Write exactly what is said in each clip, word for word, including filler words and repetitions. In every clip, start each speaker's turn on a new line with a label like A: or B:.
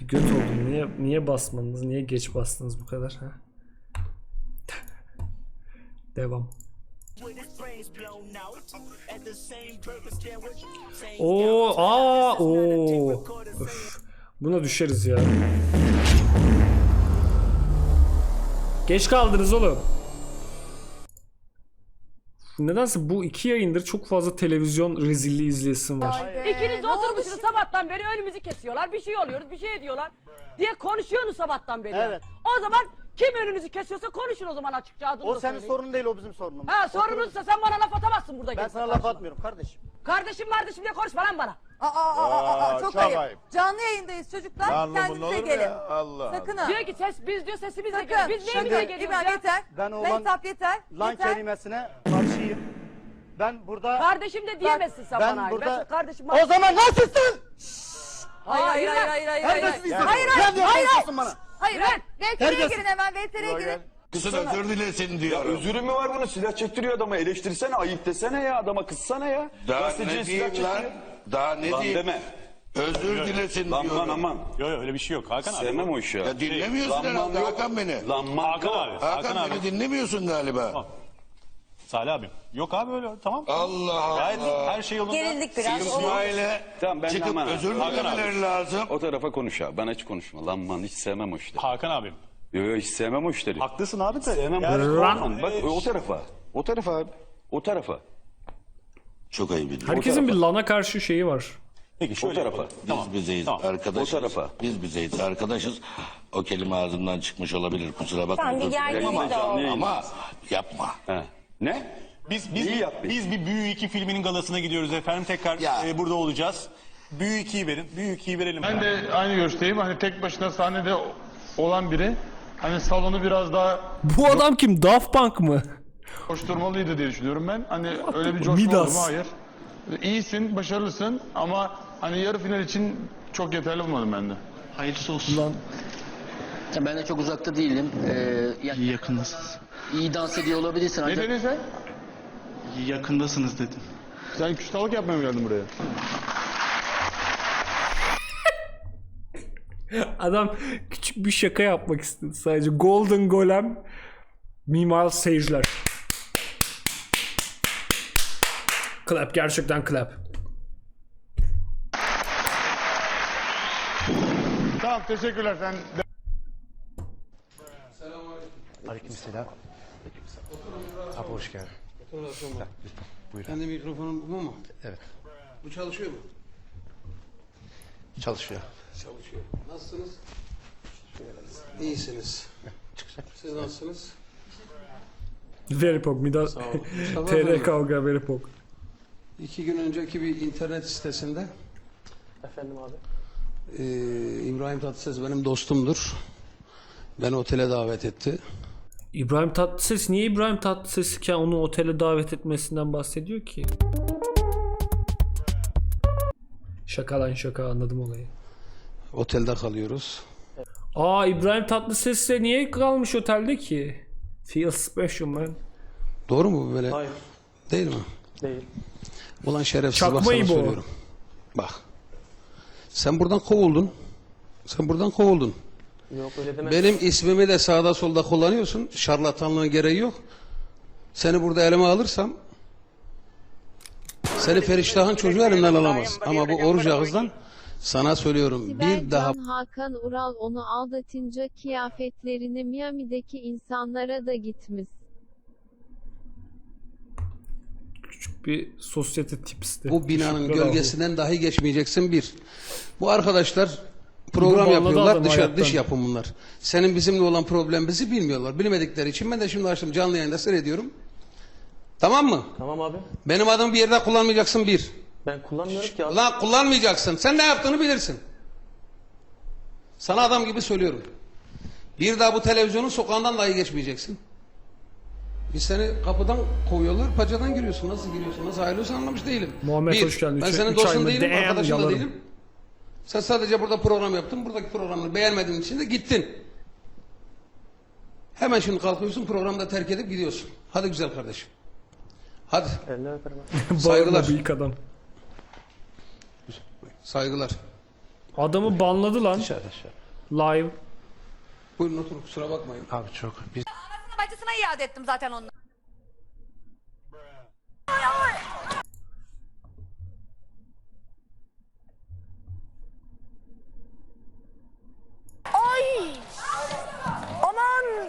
A: Bir göt oldum. Niye niye basmadınız? Niye geç bastınız bu kadar? Ha? Devam. Oo, aa, oo. Öf. Buna düşeriz ya. Geç kaldınız oğlum. Nedense bu iki yayındır çok fazla televizyon rezilliği izleyesim var.
B: İkiniz oturmuşsunuz sabahtan beri önümüzü kesiyorlar. Bir şey oluyoruz, bir şey ediyorlar diye konuşuyorsunuz sabahtan beri.
C: Evet.
B: O zaman kim önünüzü kesiyorsa konuşun o zaman açıkça adını
C: O
B: da
C: senin
B: söyleyin.
C: sorunun değil, o bizim sorunumuz.
B: Ha sorunuzsa sen bana laf atamazsın burada.
C: Ben
B: kimse
C: sana laf
B: karşıma.
C: atmıyorum kardeşim.
B: Kardeşim kardeşim diye konuşma lan bana.
D: Aa, aa, aa, aa, çok,
E: çok
D: ayıp.
E: ayıp.
D: Canlı yayındayız çocuklar.
E: Lan bunun
D: Kendinize
E: olur mu
D: gelin.
E: ya? Allah
D: Sakın
E: Allah.
D: ha.
B: Diyor ki ses biz diyor sesimizle
D: Sakın.
B: geliyor. Biz neyimize
D: Sakın.
B: geliyoruz
D: İbrahim
B: ya?
D: yeter.
C: Ben o lan-
D: Mehtap yeter.
C: Lan
D: yeter.
C: kelimesine karşıyım. Ben burada...
B: Kardeşim de diyemezsin sen
C: ben
B: bana.
C: burada-
B: Ben kardeşim
C: O zaman nasılsın?
D: Hayır hayır hayır hayır hayır. Hayır
C: Terbiyesiz insan.
D: hayır
C: Sen
D: hayır.
C: diye
D: hayır.
C: konuşuyorsun bana.
D: Hayır hayır. V T R'ye
C: Terbiyesiz.
D: girin hemen. V T R'ye girin.
E: Kızın özür dilesin diyorum.
F: Özürü mü var bunun? Silah çektiriyor adama. Eleştirsene, ayıp desene ya. Adama kızsana ya.
E: Daha
F: Gazeteciye
E: ne
F: silah
E: diyeyim lan?
F: çektiriyor.
E: Daha ne
F: Lan
E: diyeyim?
F: deme.
E: Özür dilesin
F: Lan
E: diyorum.
F: lan aman.
G: Yok yok öyle bir şey yok Hakan abi.
F: Sevmem o işi ya.
E: Ya dinlemiyorsun
F: Lanman
E: herhalde
F: yok.
E: Hakan beni.
F: Lanman
G: Hakan
F: yok.
G: abi.
E: Hakan,
G: Hakan abi.
E: beni dinlemiyorsun galiba.
G: Tamam. Salih abim. Yok abi öyle tamam.
E: Allah
G: Gayet
E: Allah.
G: her şey yolunda.
D: Gerildik biraz.
E: İsmail'e
F: Tamam, ben de
E: çıkıp
F: aman abi.
E: özür
G: Hakan
E: dilemeleri lazım.
F: O tarafa konuş abi. Bana hiç konuşma. Lanman hiç sevmem o işleri.
G: Hakan abim.
F: Yok yok hiç sevmem o işleri.
G: Haklısın abi de.
F: Sevmem
G: Yani
F: o
A: Lan.
F: Lanman. Bak o tarafa. O tarafa abi. O tarafa.
E: Çok ayıp ediyorum.
A: Herkesin bir lana karşı şeyi var.
G: Peki
F: O
G: şöyle
F: tarafa.
G: yapalım.
E: Biz
G: Tamam.
E: bizeyiz
G: Tamam.
E: arkadaşız.
F: O tarafa.
E: Biz bizeyiz arkadaşız. O kelime ağzımdan çıkmış olabilir, kusura bakma.
H: Tamam, bir
E: özür dilerim
H: gerginlik
E: ama,
H: de oldu.
E: ama yapma.
F: He. Ne?
G: Biz biz
F: İyi yapmış.
G: biz bir Büyü iki filminin galasına gidiyoruz efendim. Tekrar
E: Ya.
G: e, burada olacağız. Büyü ikiyi verin. Büyü ikiyi verelim.
I: Ben de aynı görüşteyim. Hani tek başına sahnede olan biri hani salonu biraz daha
A: Bu adam kim? Daft Punk mı?
I: koşturmalıydı diye düşünüyorum ben. Hani öyle bir coşma oldu mu?
A: Midas.
I: Hayır. İyisin, başarılısın ama hani yarı final için çok yeterli bulmadım ben de.
J: Hayırlısı olsun.
A: Lan.
J: Ya ben de çok uzakta değilim. Ee, ya, İyi yakındasınız. iyi dans ediyor olabilirsin
I: Ne
J: ancak
I: dedin sen?
J: iyi yakındasınız dedim.
I: Sen küstahlık yapmaya mı geldin buraya?
A: Adam küçük bir şaka yapmak istedi sadece. Golden Golem Minimal seyirciler. Clap, gerçekten clap.
I: Tamam, teşekkürler sen.
K: Aleykümselam. Abi hoş geldin.
J: Kendi mikrofonum bu mu?
K: Evet.
J: Bu çalışıyor mu?
K: Çalışıyor.
J: Çalışıyor. Nasılsınız? İyisiniz. Siz nasılsınız?
A: Very pog. Midas. T R kavga very pog.
J: İki gün önceki bir internet sitesinde
C: Efendim abi.
J: e, İbrahim Tatlıses benim dostumdur. Beni otele davet etti.
A: İbrahim Tatlıses niye İbrahim Tatlıses iken onu otele davet etmesinden bahsediyor ki? Şaka lan şaka, anladım olayı.
J: Otelde kalıyoruz.
A: Aa, İbrahim Tatlıses'le niye kalmış otelde ki? Feel special man.
J: Doğru mu bu böyle?
C: Hayır.
J: Değil mi?
C: Değil.
J: Ulan şerefsiz, bak
A: Çakmayı
J: sana
A: bu.
J: söylüyorum. Bak. Sen buradan kovuldun. Sen buradan kovuldun.
C: Yok öyle deme.
J: Benim ismimi de sağda solda kullanıyorsun. Şarlatanlığın gereği yok. Seni burada elime alırsam seni Feriştah'ın çocuğu elimden alamaz. Ama bu oruç ağızdan sana söylüyorum. Bir daha
H: Sibel Can Hakan Ural onu aldatınca kıyafetlerini Miami'deki insanlara da gitmiş.
A: Küçük bir sosyete tipsti.
J: bu binanın
A: Teşekkürler
J: gölgesinden dahi geçmeyeceksin bir. Bu arkadaşlar
A: Bu
J: program
A: bağladı
J: yapıyorlar.
A: adam
J: Dışarı,
A: hayattan.
J: dış yapım bunlar. Senin bizimle olan problemimizi bilmiyorlar. Bilmedikleri için ben de şimdi açtım canlı yayında seyrediyorum. Tamam mı?
C: Tamam abi.
J: Benim adımı bir yerde kullanmayacaksın bir.
C: Ben kullanmıyorum ki abi.
J: Lan kullanmayacaksın. Sen ne yaptığını bilirsin. Sana adam gibi söylüyorum. Bir daha bu televizyonun sokağından dahi geçmeyeceksin. Biz seni kapıdan kovuyorlar, paçadan giriyorsun. Nasıl giriyorsun, nasıl ayrılıyorsun anlamış değilim.
A: Muhammed
J: Bir,
A: hoş geldin.
J: ben
A: Üç-
J: senin
A: üç ay
J: dostun
A: mı?
J: değilim,
A: Damn,
J: arkadaşın da
A: yalarım.
J: değilim. Sen sadece burada program yaptın, buradaki programını beğenmediğin için de gittin. Hemen şimdi kalkıyorsun, programı da terk edip gidiyorsun. Hadi güzel kardeşim. Hadi.
C: Eline öperim abi.
A: Bağırma
J: Saygılar.
A: büyük adam.
J: Saygılar.
A: Adamı banladı lan.
K: Dışarı dışarı.
A: Live.
J: Buyurun oturun, kusura bakmayın.
K: Abi çok. Biz
D: Anasına bacısına iade ettim zaten onu. Ay! Aman!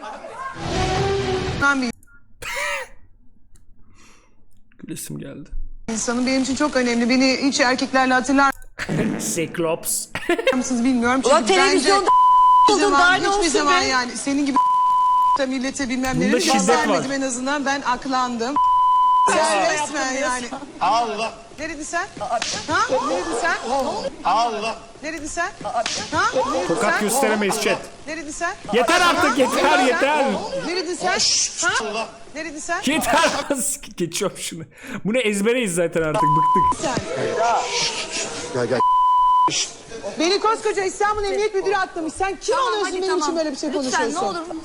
A: Gülesim geldi.
B: İnsanın benim için çok önemli. Beni hiç erkeklerle hatırlar
A: Cyclops.
B: mısınız bilmiyorum. Çünkü
D: Ulan televizyonda
B: hiçbir
D: oldun,
B: zaman,
D: daha ne
B: hiçbir
D: olsun
B: zaman
D: be?
B: yani senin gibi da millete bilmem
A: Bunda
B: neleri
A: şiddet
B: vermedim
A: var.
B: en azından. Ben aklandım. Sen resmen yani.
G: Allah.
B: Neredin sen? Ha? Neredin sen?
G: Allah.
B: Neredin sen? Ha? Neredin
A: Tokat
B: sen?
A: gösteremeyiz chat.
B: Neredin sen?
A: Yeter artık yeter yeter.
B: Neredin sen? Ha? Neredin sen?
A: Yeter. Geçiyorum şunu. Bunu ezbereyiz zaten artık bıktık.
B: Sen.
K: gel gel.
B: Beni koskoca İstanbul Emniyet Müdürü atlamış. Sen kim
D: Tamam,
B: oluyorsun
D: hadi
B: benim için
D: tamam.
B: böyle bir şey
D: Lütfen
B: konuşuyorsun?
D: ne olur.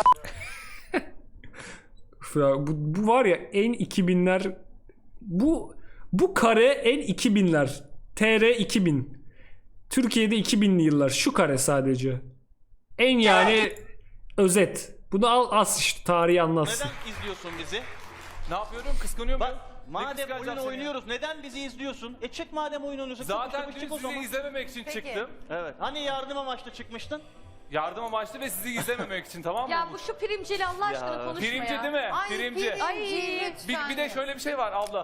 A: Üf ya, bu, bu var ya en iki binler bu bu kare en iki binler. T R iki bin. Türkiye'de iki binli yıllar. Şu kare sadece. En yani özet. Bunu al as işte tarihi anlatsın.
G: Neden izliyorsun bizi?
L: Ne yapıyorum? Kıskanıyor muyum?
G: Madem oyun oynuyoruz neden bizi izliyorsun? E çık madem oyun oynuyorsun.
L: Zaten
G: çık,
L: dün
G: çık o
L: sizi
G: zaman.
L: izlememek için
D: Peki.
L: çıktım.
G: Evet. Hani yardım amaçlı çıkmıştın?
L: Yardım amaçlı ve sizi izlememek için, tamam mı?
D: Ya bu şu primciyle Allah aşkına konuşma
L: Pirimci
D: ya.
L: değil mi?
D: Ay,
L: Pirimci.
D: Ay
L: Bir, bir de şöyle bir şey var abla.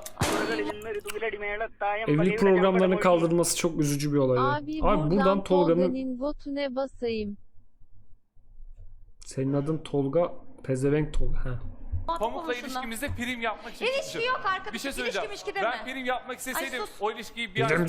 A: Evlilik programlarının kaldırılması çok üzücü bir olay. ya.
H: Abi,
A: Abi buradan Tolga'nın
H: Tolga'nın botune basayım.
A: senin adın Tolga Pezevenk Tolga. Ha.
L: Pamuk'la ilişkimizde prim yapmak için
D: İlişki
L: çıktım.
D: yok arkadaşım,
L: Bir şey
D: ilişki
L: söyleyeceğim.
D: mişki deme.
L: Ben prim yapmak isteseydim
D: Ay, sus.
L: o ilişkiyi bir ay
A: Bilimci.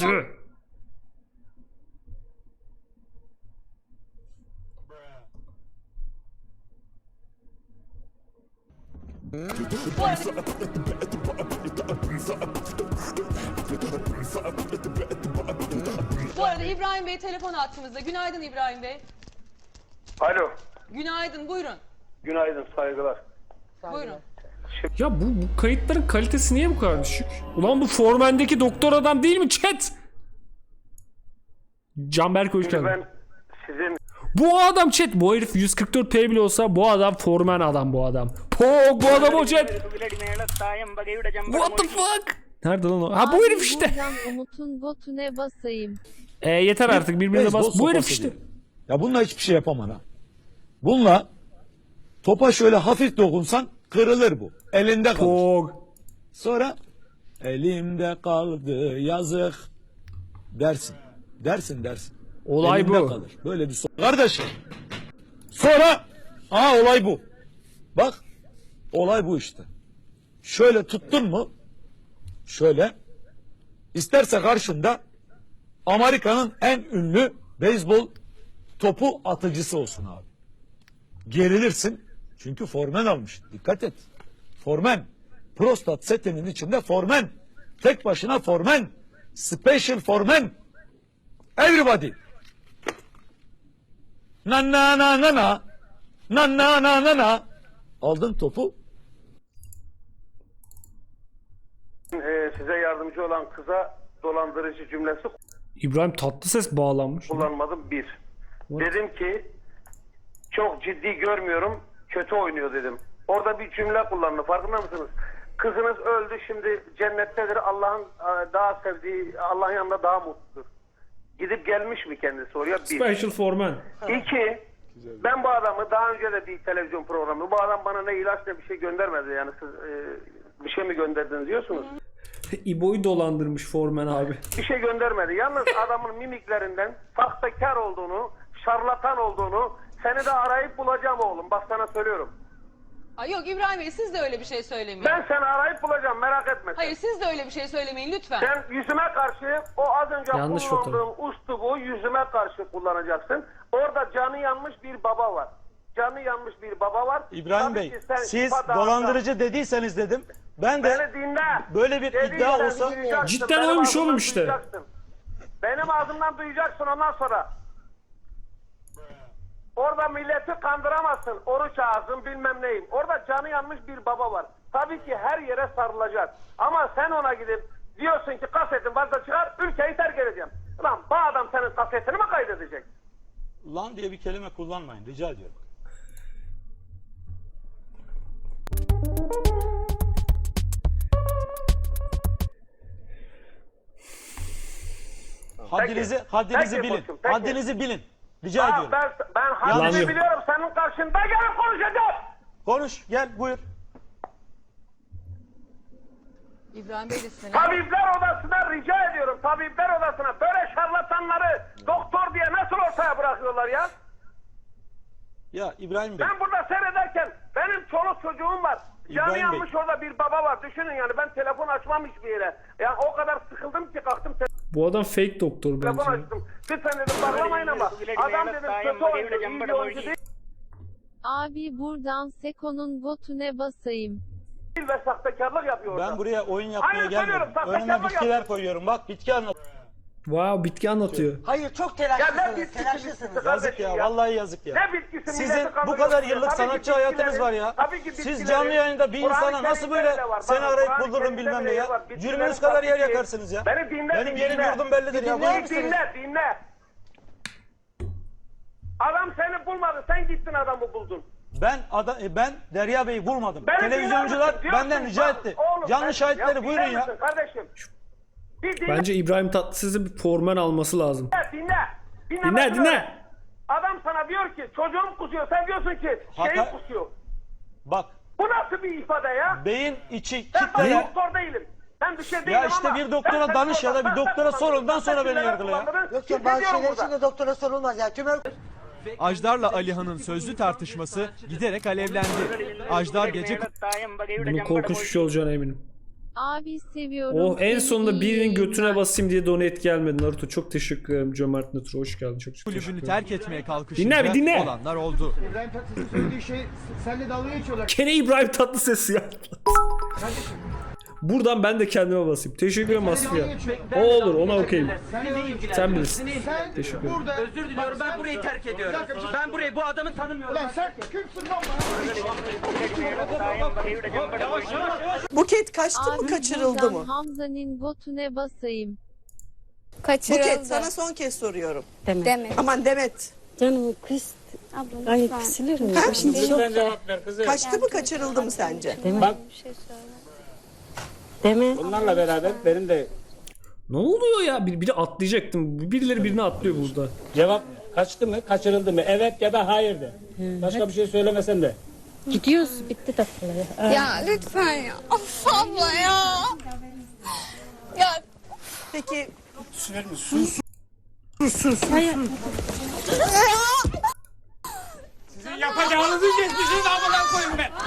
B: Bu arada İbrahim Bey telefon attığımızda. Günaydın İbrahim Bey.
F: Alo.
B: Günaydın, buyurun.
F: Günaydın, saygılar.
B: Buyurun.
A: Ya bu, bu kayıtların kalitesi niye bu kadar düşük? Ulan bu Formen'deki doktor adam değil mi chat? Canberk hoş geldin.
F: Ben sizin
A: Bu adam chat. Bu herif yüz kırk dört p bile olsa bu adam Formen adam bu adam. Pog bu adam o chat. What the fuck? Nerede lan o? Ha bu
H: Abi,
A: herif işte.
H: buradan Umut'un botune basayım.
A: E yeter artık birbirine bas. Bu herif işte.
K: Ya bununla hiçbir şey yapamam ha. Bununla topa şöyle hafif dokunsan kırılır bu. Elinde kalır.
A: Pog.
K: Sonra elimde kaldı yazık dersin. Dersin dersin.
A: Olay
K: Elinde
A: bu.
K: kalır. Böyle bir so kardeşim. Sonra aha olay bu. Bak olay bu işte. Şöyle tuttun mu? Şöyle. İsterse karşında Amerika'nın en ünlü beyzbol topu atıcısı olsun abi. Gerilirsin. Çünkü formen almış. Dikkat et. Formen. Prostat setinin içinde formen. Tek başına formen. Special formen. Everybody. Na na na na na. Na na na na na. Aldın topu.
F: e, size yardımcı olan kıza dolandırıcı cümlesi
A: İbrahim Tatlıses bağlanmış.
F: kullanmadım bir. Dedim ki çok ciddi görmüyorum, kötü oynuyor dedim. Orada bir cümle kullandı, farkında mısınız? Kızınız öldü, şimdi cennettedir, Allah'ın e, daha sevdiği, Allah'ın yanında daha mutludur. Gidip gelmiş mi kendisi oraya? Bir.
A: Special Formen.
F: İki, ben bu adamı daha önce de bir televizyon programı, bu adam bana ne ilaç ne bir şey göndermedi, yani siz e, bir şey mi gönderdiniz diyorsunuz?
A: İbo'yu dolandırmış Formen abi.
F: Bir şey göndermedi. Yalnız adamın mimiklerinden sahtekar olduğunu, şarlatan olduğunu seni de arayıp bulacağım oğlum. Bak sana söylüyorum.
B: Ay yok İbrahim Bey siz de öyle bir şey söylemeyin.
F: Ben seni arayıp bulacağım, merak etme.
B: Hayır siz de öyle bir şey söylemeyin lütfen.
F: Sen yüzüme karşı o az önce
A: Yanlış
F: kullandığın uslubu yüzüme karşı kullanacaksın. Orada canı yanmış bir baba var. Canı yanmış bir baba var.
C: İbrahim
F: Tabii
C: Bey,
F: ki sen
C: siz
F: ifa
C: dolandırıcı dediyseniz dedim. Ben de
F: Beni dinle.
C: böyle bir
F: Dediysen
C: iddia olsa
F: duyacaksın.
A: Cidden
F: Benim
A: oymuş
F: ağzımdan
A: oğlum işte.
F: duyacaksın. Benim ağzımdan duyacaksın ondan sonra. Orada milleti kandıramazsın. Oruç ağzın bilmem neyim. Orada canı yanmış bir baba var. Tabii ki her yere sarılacak. Ama sen ona gidip diyorsun ki kasetin varsa çıkar, ülkeyi terk edeceğim. Ulan bu adam senin kasetin şahsiyetini mi kaydedecek?
C: Lan diye bir kelime kullanmayın rica ediyorum. Haddinizi, haddinizi
F: Peki
C: bilin.
F: koçum, peki.
C: Haddinizi bilin. Rica
F: Ha,
C: ediyorum.
F: ben, ben
A: Yalan
F: haddimi
A: yok.
F: biliyorum, senin karşında gelip konuşacağım.
C: Konuş, gel buyur.
B: İbrahim Bey de sinirli.
F: Tabipler odasına rica ediyorum, tabipler odasına böyle şarlatanları doktor diye nasıl ortaya bırakıyorlar ya?
C: Ya İbrahim Bey.
F: Ben burada seyrederken benim çoluk çocuğum var.
C: İbrahim
F: Canı
C: Bey.
F: yanmış orada bir baba var. Düşünün yani ben telefon açmam hiçbir yere. Yani o kadar sıkıldım ki kalktım
A: Bu adam fake doktor
F: telefon
A: bence.
F: açtım. Lütfen dedim bağlamayın ama adam dedim kötü oyuncu, iyi bir oyuncu değil
H: Abi buradan Seko'nun botune basayım.
F: ve sahtekarlık yapıyor orada.
C: Ben buraya oyun yapmaya
F: Aynen
C: gelmedim.
F: söylüyorum, sahtekarlık
C: Önüme bitkiler
F: yaptım.
C: koyuyorum. Bak bitki anlat.
A: Wow, bitki anlatıyor.
B: Hayır çok
F: Ya ne
B: telaşlısınız.
F: bitkisi
B: Telaşlısınız.
F: bitkisi
C: Yazık
F: kardeşim
C: ya, vallahi yazık ya.
F: Ne bitkisi
C: Sizin
F: milleti
C: bu
F: kandırıyorsunuz
C: kadar
F: ya.
C: yıllık
F: Tabii ki
C: sanatçı hayatınız
F: bitkilerin-
C: var ya.
F: tabii ki
C: Siz
F: bitkilerin-
C: canlı yayında bir
F: Kur'an-ı
C: insana nasıl
F: Kerim'de
C: böyle
F: bile var.
C: seni
F: Bakın,
C: arayıp
F: Kur'an-ı
C: buldururum
F: Kerim'de
C: bilmem ne
F: bile
C: ya.
F: var. Bitkilerin
C: Cürmünüz kadar yer
F: taktiği.
C: yakarsınız ya.
F: Beni dinle,
C: Benim
F: bir
C: yerim
F: dinle.
C: yurdum bellidir ya.
F: Dinle, dinle, dinle. Adam seni bulmadı, sen gittin adamı buldun.
C: Ben ada, e, ben Derya Bey'i bulmadım.
F: Beni
C: Televizyoncular
F: dinler misin? Diyorsun,
C: benden rica
F: bak,
C: etti.
F: oğlum,
C: Canlı
F: ben-
C: şahitleri
F: ya
C: buyurun
F: dinler
C: ya.
F: misin kardeşim? Bir dinle,
A: Bence İbrahim Tatlıses'in bir formen alması lazım.
F: dinle. Dinle,
A: Dinle,
F: bakın
A: dinle.
F: öyle. Adam sana diyor ki çocuğum kusuyor, sen diyorsun ki şeyim
C: Hata-
F: kusuyor.
C: Bak
F: Bu nasıl bir ifade ya?
C: beyin içi
F: Ben sana
C: kitleler.
F: doktor değilim. Ben bir şey değilim
C: Ya
F: ama...
C: işte bir doktora
F: ben-
C: danış ya da bir
F: ben-
C: doktora
F: ben-
C: sor, ondan sonra beni
F: ben-
C: yargıla ya.
B: Yok ya bazı şeyler için de doktora sorulmaz ya. Tümör
M: Ajdar'la Alihan'ın sözlü tartışması giderek alevlendi. Ajdar gece
A: Bunun korkunç bir şey olacağına eminim.
H: Abi seviyorum.
A: Oh, en
H: seni,
A: sonunda
H: iyi
A: birinin götüne
H: yayınlar.
A: basayım diye donate gelmedi Naruto. Çok teşekkür ederim Cömert Naruto. Hoş geldin. Çok çok teşekkür
M: kulübünü
A: ederim.
M: terk etmeye kalkışınca
A: Dinle bir dinle.
M: olanlar oldu.
I: İbrahim Tatlıses'in söylediği şey senle dalga geçiyorlar.
A: Gene İbrahim Tatlıses ya. Buradan ben de kendime basayım. Teşekkür ederim Asfiye. O olur, ona okeyim. Sen bilirsin.
I: Sen
A: Teşekkür ederim.
I: burada...
G: Özür diliyorum, ben burayı terk ediyorum. Ben burayı, bu adamı tanımıyorum.
I: Lan sen kimsin lan bana?
B: Buket kaçtı
H: Abi
B: mı kaçırıldı
H: buradan
B: mı?
H: Hamza'nın botune basayım.
B: Buket sana son kez soruyorum.
D: Demet.
B: Aman Demet.
D: Canım kız. Ablam Ay kısılırım.
B: Ha?
D: Şimdi
K: cevap ver kızım.
B: Kaçtı mı kaçırıldı mı sence?
K: Bak
D: bir şey söyle. Demet.
K: bunlarla beraber benim de
A: Ne oluyor ya? Bir, biri atlayacaktım. Birileri birini atlıyor burada.
K: cevap kaçtı mı kaçırıldı mı evet ya da hayır de. Başka bir şey söylemesen de.
D: Gidiyoruz. Bitti tatlıları.
N: Ya lütfen ya. Of abla ya. Ya
B: Peki
K: Yapacağınızı geçmişiniz amına koyun be.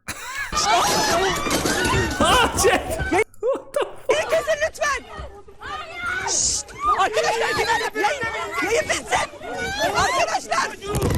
A: Ah chat.
B: kesin lütfen. Şşt! Arkadaşlar bir yayın, yayın bitsin. Arkadaşlar.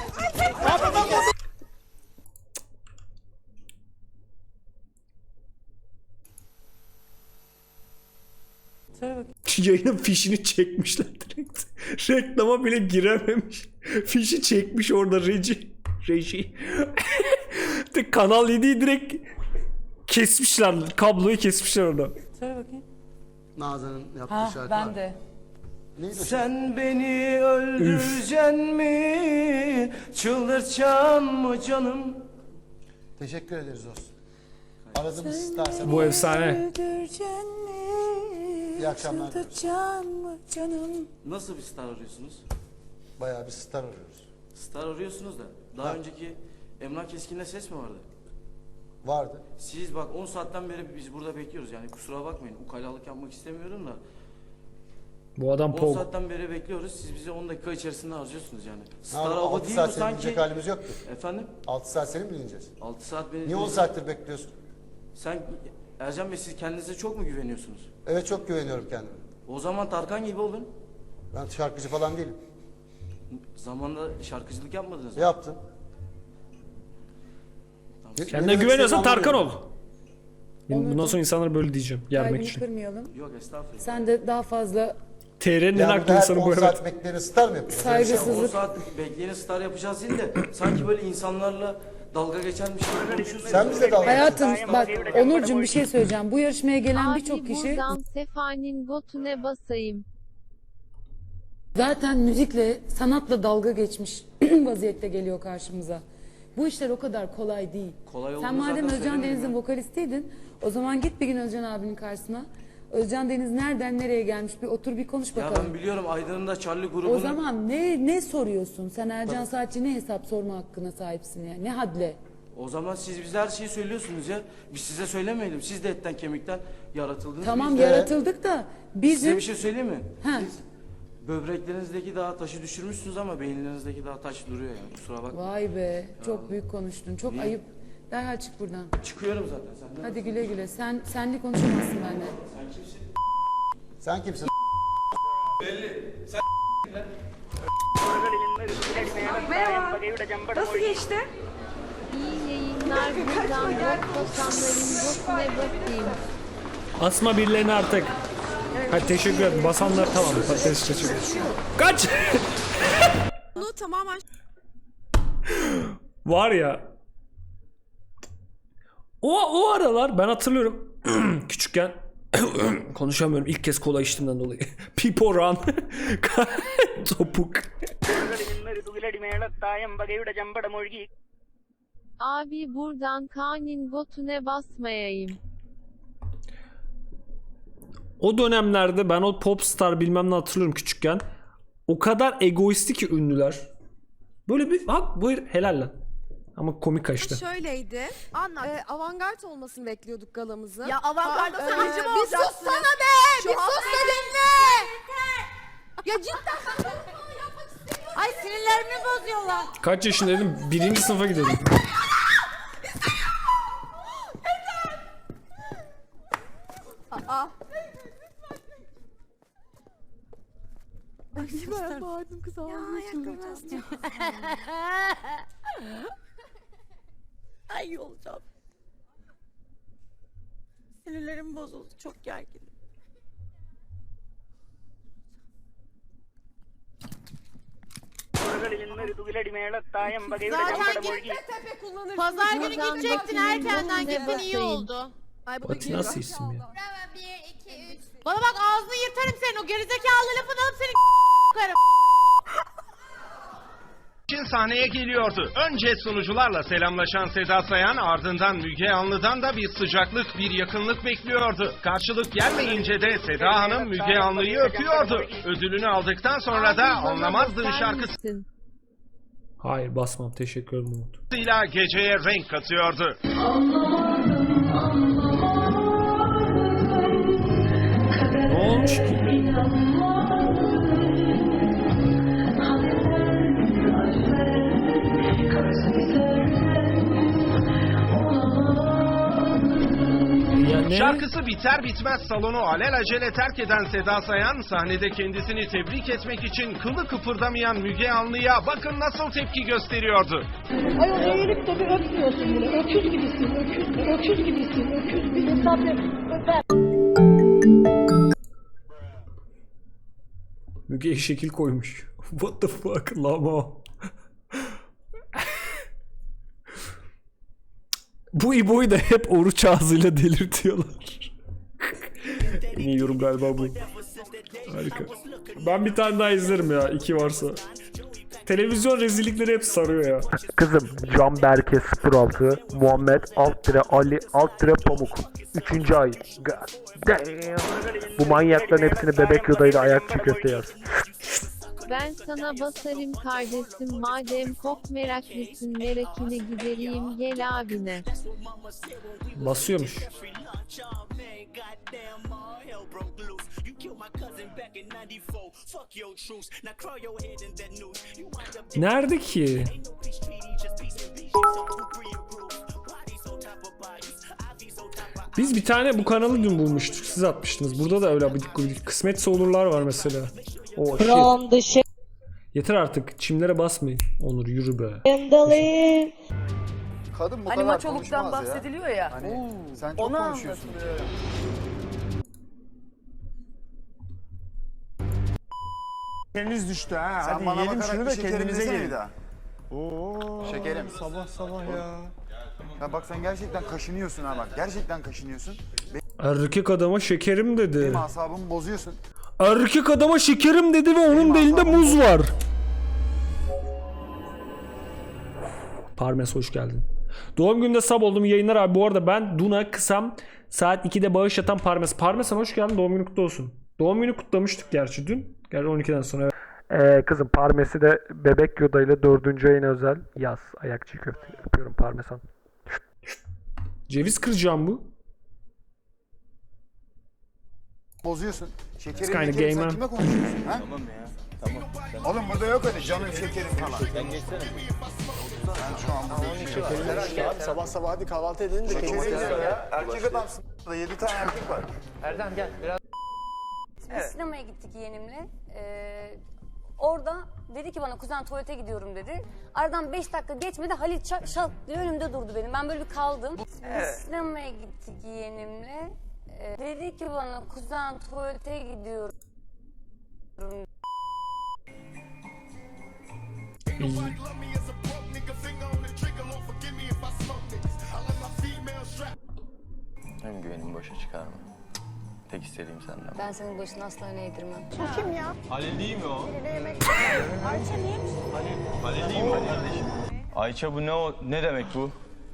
A: Yayının fişini çekmişler direkt. Reklama bile girememiş. Fişi çekmiş orada reji. Reji. De Kanal yediyi direkt kesmişler. Kabloyu kesmişler orada.
J: Nazan'ın yaptığı şarkı var.
B: de.
C: Sen beni öldüreceksin mi? Çıldırtacaksın mı canım?
J: Teşekkür ederiz olsun. Aradığımız istersen.
A: Bu efsane.
J: İyi akşamlar.
G: Canım. Nasıl bir star arıyorsunuz?
J: Bayağı bir star arıyoruz.
G: Star arıyorsunuz da daha önceki Emrah Keskin'le ses mi vardı?
J: Vardı.
G: Siz bak on saatten beri biz burada bekliyoruz yani kusura bakmayın ukalalık yapmak istemiyorum da
A: Bu adam
G: on
A: Pog.
G: saatten beri bekliyoruz siz bizi on dakika içerisinde harcıyorsunuz yani. Star
J: Abi,
G: hava
J: altı
G: değil
J: saat
G: bu
J: seni
G: sanki.
J: dinleyecek halimiz yoktu.
G: Efendim?
J: altı saat seni mi dinleyeceğiz?
G: altı saat beni...
J: Niye on saattir bekliyorsun?
G: Sen Ercan Bey siz kendinize çok mu güveniyorsunuz?
J: Evet çok güveniyorum kendime.
G: O zaman Tarkan gibi olun.
J: Ben şarkıcı falan değilim.
G: Zamanında şarkıcılık yapmadınız mı?
J: Yaptım. Ne- ne
A: Kendine
J: demek
A: güveniyorsan
J: istediğini
A: Tarkan ol.
J: anlamıyorum.
A: Bundan sonra insanlara böyle diyeceğim. Yermek için.
B: kırmayalım.
G: Yok estağfurullah.
B: Sen de daha fazla
A: T R'nin en
J: Ya
A: haklı
J: burada her
A: insanı bu
J: on
A: evet.
J: saat bekleyeni star mı yapıyorsun? Öyle bir şey mi?
G: on saat bekleyeni star yapacağız değil de sanki böyle insanlarla dalga geçermiş gibi konuşuyorsunuz.
J: Sen bize dalga
B: Hayatım bak Onurcuğum bir şey söyleyeceğim. Bu yarışmaya gelen
H: Abi
B: birçok kişi
H: buradan Sefa'nın botune basayım.
D: Zaten müzikle, sanatla dalga geçmiş vaziyette geliyor karşımıza. Bu işler o kadar kolay değil.
G: Kolay
D: Sen
G: olduğunu
D: madem
G: zaten
D: Özcan
G: söylemiyorum
D: Deniz'in
G: ya.
D: vokalistiydin, o zaman git bir gün Özcan abinin karşısına. Özcan Deniz nereden nereye gelmiş, bir otur bir konuş
G: Ya
D: bakalım.
G: ben biliyorum Aydın'ın da Charlie grubunu.
D: O zaman ne ne soruyorsun? Sen Ercan Saatçi ne hesap sorma hakkına sahipsin ya? Ne hadle?
G: O zaman siz bize her şeyi söylüyorsunuz ya. Biz size söylemeyelim. Siz de etten kemikten yaratıldınız.
D: Tamam
G: Biz de-
D: yaratıldık da bizim...
G: Size bir şey söyleyeyim mi?
D: Ha.
G: Siz böbreklerinizdeki daha taşı düşürmüşsünüz ama beyinlerinizdeki daha taş duruyor yani. Kusura bakma.
D: Vay be, çok büyük konuştun. Çok
G: İyi.
D: ayıp. Derhal çık buradan.
G: Çıkıyorum zaten senden.
D: Hadi güle güle. Sen senli konuşamazsın benimle.
G: Sen kimsin?
C: Sen kimsin?
B: Merhaba. Nasıl geçti?
H: İyi yayınlar buradan bot basanların botune bakayım.
A: Asma birilerini artık. Ha, teşekkür ederim. Basanlar tamam. Patates teşekkür ederim. Kaç!
N: Bunu tamamen
A: Var ya. O, o aralar ben hatırlıyorum. Küçükken konuşamıyorum. İlk kez kola içtiğimden dolayı. Pipo run. Topuk.
H: Abi buradan Kaan'ın botune basmayayım.
A: O dönemlerde ben o popstar bilmem ne hatırlıyorum küçükken. O kadar egoisti ki ünlüler. Böyle bir bak buyur helal lan. Ama komik kaçtı.
N: şöyleydi. Anlat. Ee, avantgard olmasını bekliyorduk galamızın.
B: Ya avantgarda
N: Aa,
B: sanatçı
N: ee,
B: mı
N: Bir
B: olacaksın?
N: sussana be!
B: Şu
N: bir sus
B: hafta-
N: da dinle! Ya cidden Ay sinirlerimi bozuyorlar.
A: Kaç yaşındaydım? Birinci sınıfa gidiyordum.
N: Aa. Ay ben bağırdım kız ağzını çıldıracağım. Ay olacağım. Sinirlerim bozuldu. Çok gerginim. Zaten git tepe kullanırsın. Pazar günü
H: Buradan
N: gidecektin
H: bakayım,
N: erkenden
H: botune
N: gittin iyi
H: basayım.
N: oldu. Ay bu da
A: Batu
N: geliyor.
A: nasıl isim ya?
N: bir, iki, üç. Bana bak ağzını yırtarım senin o gerizekalı lafını alıp seni karım.
O: için sahneye geliyordu. Önce sunucularla selamlaşan Seda Sayan ardından Müge Anlı'dan da bir sıcaklık, bir yakınlık bekliyordu. Karşılık gelmeyince de Seda Hanım Müge Anlı'yı öpüyordu. Ödülünü aldıktan sonra da
H: Abi bana
O: Anlamazdın
H: basar
O: şarkısıyla
H: mısın?
A: Hayır basmam. Teşekkür ederim Umut.
O: geceye renk katıyordu.
A: Ne olmuş ki? Ya ne?
O: Şarkısı biter bitmez salonu alelacele terk eden Seda Sayan sahnede kendisini tebrik etmek için kılı kıpırdamayan Müge Anlı'ya bakın nasıl tepki gösteriyordu.
B: Ay o eğilip de bir öpmüyorsun bunu. Öküz gibisin, öküz, öküz gibisin, öküz bir insan bir öper.
A: Müge'ye şekil koymuş. What the fuck lama. Bu İbo'yu da hep oruç ağzıyla delirtiyorlar. En iyi yorum galiba bu. Harika. Ben bir tane daha izlerim ya. iki varsa. Televizyon rezillikleri hep sarıyor ya.
C: Kızım Can Berke sıfır altı Muhammed alt tire Ali alt tire Pamuk üçüncü ay. God damn. Bu manyakların hepsini bebek yodayla ayak çiğ köfte yaz.
H: Ben sana basarım kardeşim madem çok meraklısın merakını gidereyim gel abine.
A: Basıyormuş. Nerede ki? Biz bir tane bu kanalı dün bulmuştuk. Siz atmıştınız. Burada da öyle bir kısmetse olurlar var mesela. O shit. Yeter artık. Çimlere basmayın. Onur yürü be.
C: Kadın bu
B: Hani
C: kadar
B: maçoluktan
C: konuşmaz ya.
B: bahsediliyor ya.
C: Hani sen çok
B: Onu
C: konuşuyorsun.
B: anlatılıyor.
C: Şekeriniz düştü ha. Sen Hadi bana yiyelim şunu da kendimize gelin. Oo. Şekerim. Sabah sabah ya. Ya bak sen gerçekten kaşınıyorsun ha bak. Gerçekten kaşınıyorsun.
A: Erkek adama şekerim dedi.
C: Benim asabımı bozuyorsun.
A: Erkek adama şekerim dedi ve onun da elinde muz var. Parmes hoş geldin. Doğum gününde sub oldum, yayınlar abi. Bu arada ben Duna Kısam saat ikide bağış atan Parmes. Parmes hoş geldin, doğum günü kutlu olsun. Doğum günü kutlamıştık gerçi dün. Gerçi on ikiden sonra.
C: Ee, kızım Parmes'i de Bebek Yoda ile dördüncü ayına özel yaz. Ayakçı köfte. Öpüyorum Parmesan.
A: Ceviz kıracağım bu.
P: Bozuyorsun. Şekerin
A: It's kinda
P: şekerin
A: gay,
P: sen
A: man.
P: kime konuşuyorsun? Ha? Tamam ya. Tamam. Oğlum burada yok öyle canın şekerin falan. Sen geçsene. Ben şu anda şekerin abi sabah sabah hadi kahvaltı edelim de şekerin ya. Erkek adamsın. Burada yedi tane erkek var.
Q: Erdem gel biraz.
R: Biz sinemaya gittik yeğenimle. Ee, orada dedi ki bana kuzen tuvalete gidiyorum dedi. Aradan beş dakika geçmedi Halit şak şak diye önümde durdu benim. Ben böyle bir kaldım. Biz sinemaya gittik yeğenimle. Ee, dedi ki bana kuzen tuvalete gidiyorum.
Q: Hem güvenimi boşa çıkarma. Tek istediğim senden.
R: Ben senin başını asla öne eğdirmem.
B: Bu kim ya?
K: Halil değil mi o?
B: Ayça neymiş?
K: Halil değil mi o kardeşim? Ayça bu ne o? Ne demek bu?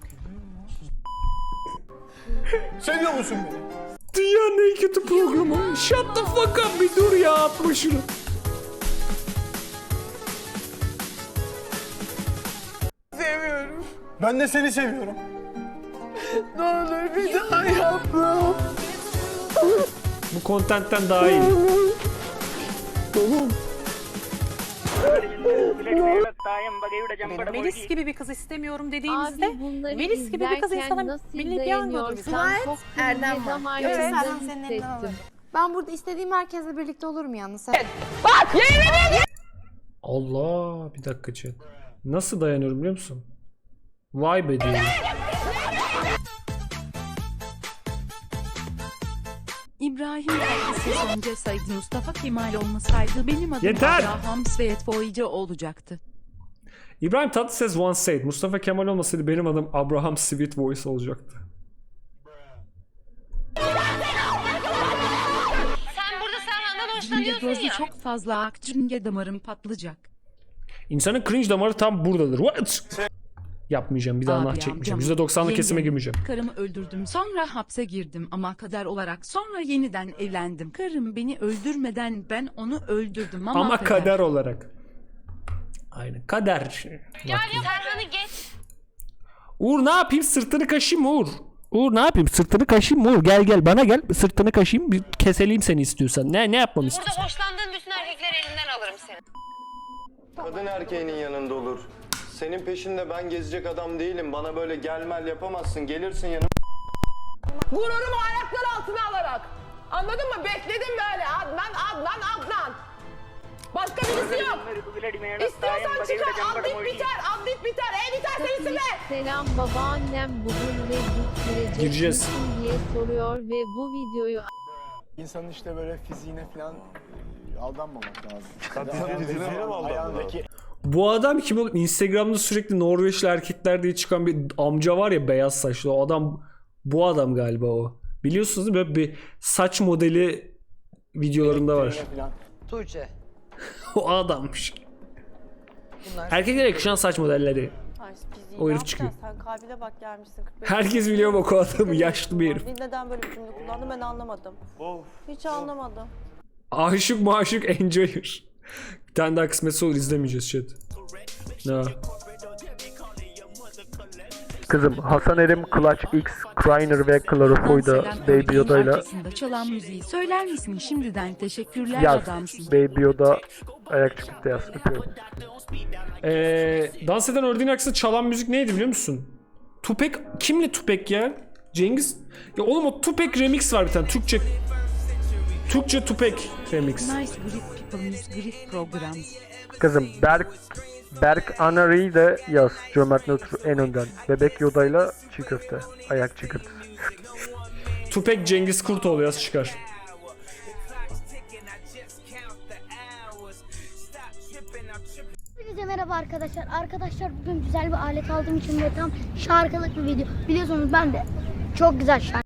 P: Seviyor musun beni?
A: Dünyanın en kötü programı. Shut the fuck up, bir dur ya, atma şunu.
P: Seviyorum. Ben de seni seviyorum. Ne olur bir daha yapma.
A: Bu kontentten daha iyi.
N: Melis gibi bir kız istemiyorum dediğinizde
H: Abi bunları
N: Melis gibi bir kız
H: izlerken
N: insana
H: nasıl
N: milli piyango
H: dayanıyorsun?
N: duruyor.
H: Çok
N: Erdem
H: kırmızı
N: var.
H: damarlarımda
N: Evet,
H: hissettim.
R: Ben burada istediğim herkesle birlikte olurum yalnız.
A: Allah, bir dakika chat. Nasıl dayanıyorum biliyor musun? Vay be diyorum.
S: İbrahim Tatlıses önce saydı Mustafa Kemal olmasaydı benim adım
A: Yeter!
S: Abraham Svetboyca olacaktı.
A: İbrahim Tatlıses once said, Mustafa Kemal olmasaydı benim adım Abraham Sweet Voice olacaktı.
R: Sen burada Serhan'dan
S: Cinge
R: hoşlanıyorsun
S: gözü
R: ya.
S: çok fazla ak cinge damarım patlayacak.
A: İnsanın cringe damarı tam buradadır. What? Yapmayacağım, bir daha nah
S: Abi,
A: çekmeyeceğim.
S: amcam,
A: yüzde doksanlık
S: yengem,
A: kesime girmeyeceğim.
S: Karımı öldürdüm sonra hapse girdim ama kader olarak sonra yeniden evlendim. Karım beni öldürmeden ben onu öldürdüm ama,
A: Ama kader olarak. Aynen, kader.
R: Gel Serhan'ı geç.
A: Uğur ne yapayım, sırtını kaşıyım mı Uğur? Uğur ne yapayım, sırtını kaşıyım mı Uğur? Gel gel bana gel, sırtını kaşıyım, bir keseleyim seni istiyorsan. Ne ne yapmamı istiyorsan.
R: Burada hoşlandığın bütün erkekleri elinden alırım seni.
Q: Kadın erkeğinin yanında olur. Senin peşinde ben gezecek adam değilim. Bana böyle gelmel yapamazsın. Gelirsin yanıma.
N: Gururumu ayaklar altına alarak. Anladın mı? Bekledim böyle. Adnan, Adnan, Adnan. Başka birisi yok. İstiyorsan çıkar. Adlit biter, adlit biter. E biter sensin be.
H: Selam babaannem bugün ve git
A: Gireceğiz.
H: girecek misin diye soruyor ve bu videoyu
P: İnsanın işte böyle fiziğine falan aldanmamak lazım.
K: Kadının fiziğine mi aldanmamak?
A: Bu adam kim oğlum? Instagram'da sürekli Norveçli erkekler diye çıkan bir amca var ya, beyaz saçlı. O adam, bu adam galiba o. Biliyorsunuz değil mi? Böyle bir saç modeli videolarında var.
Q: Tuğçe.
A: O adammış. Erkeklere yakışan saç modelleri. O herif çıkıyor.
B: Sen kalbine bak gelmişsin.
A: Herkes biliyor bak o adamı, yaşlı bir herif.
B: Neden böyle bir cümle kullandın ben anlamadım. Hiç anlamadım.
A: Aşık maşık enjoyer. Bir tane daha kısmetse olur, izlemeyeceğiz chat. Ne?
C: Kızım Hasan Erim, Clutch X, Kreiner ve Clarifoy'da Baby Yoda'yla
S: arkasında çalan müziği söyler misin şimdiden teşekkürler
C: yaz.
S: adamsın.
C: Baby Yoda ayak çıkıp yaz. Öpüyorum.
A: Ee, dans eden ördeğin aksine çalan müzik neydi biliyor musun? Tupac, kimle Tupac ya? Cengiz? Ya oğlum o Tupac remix var bir tane, Türkçe. Türkçe Tupac remix.
S: Nice grip people miss grip programs.
C: Kızım Berk Berk Anari'yi de yaz. Cömert Nötr en önden. Bebek Yoda'yla çiğ köfte. Ayak çiğ köfte.
A: Tupac Cengiz Kurtoğlu yaz çıkar.
T: Hepinize merhaba arkadaşlar. Arkadaşlar bugün güzel bir alet aldığım için ve tam şarkılık bir video. Biliyorsunuz ben de çok güzel şarkı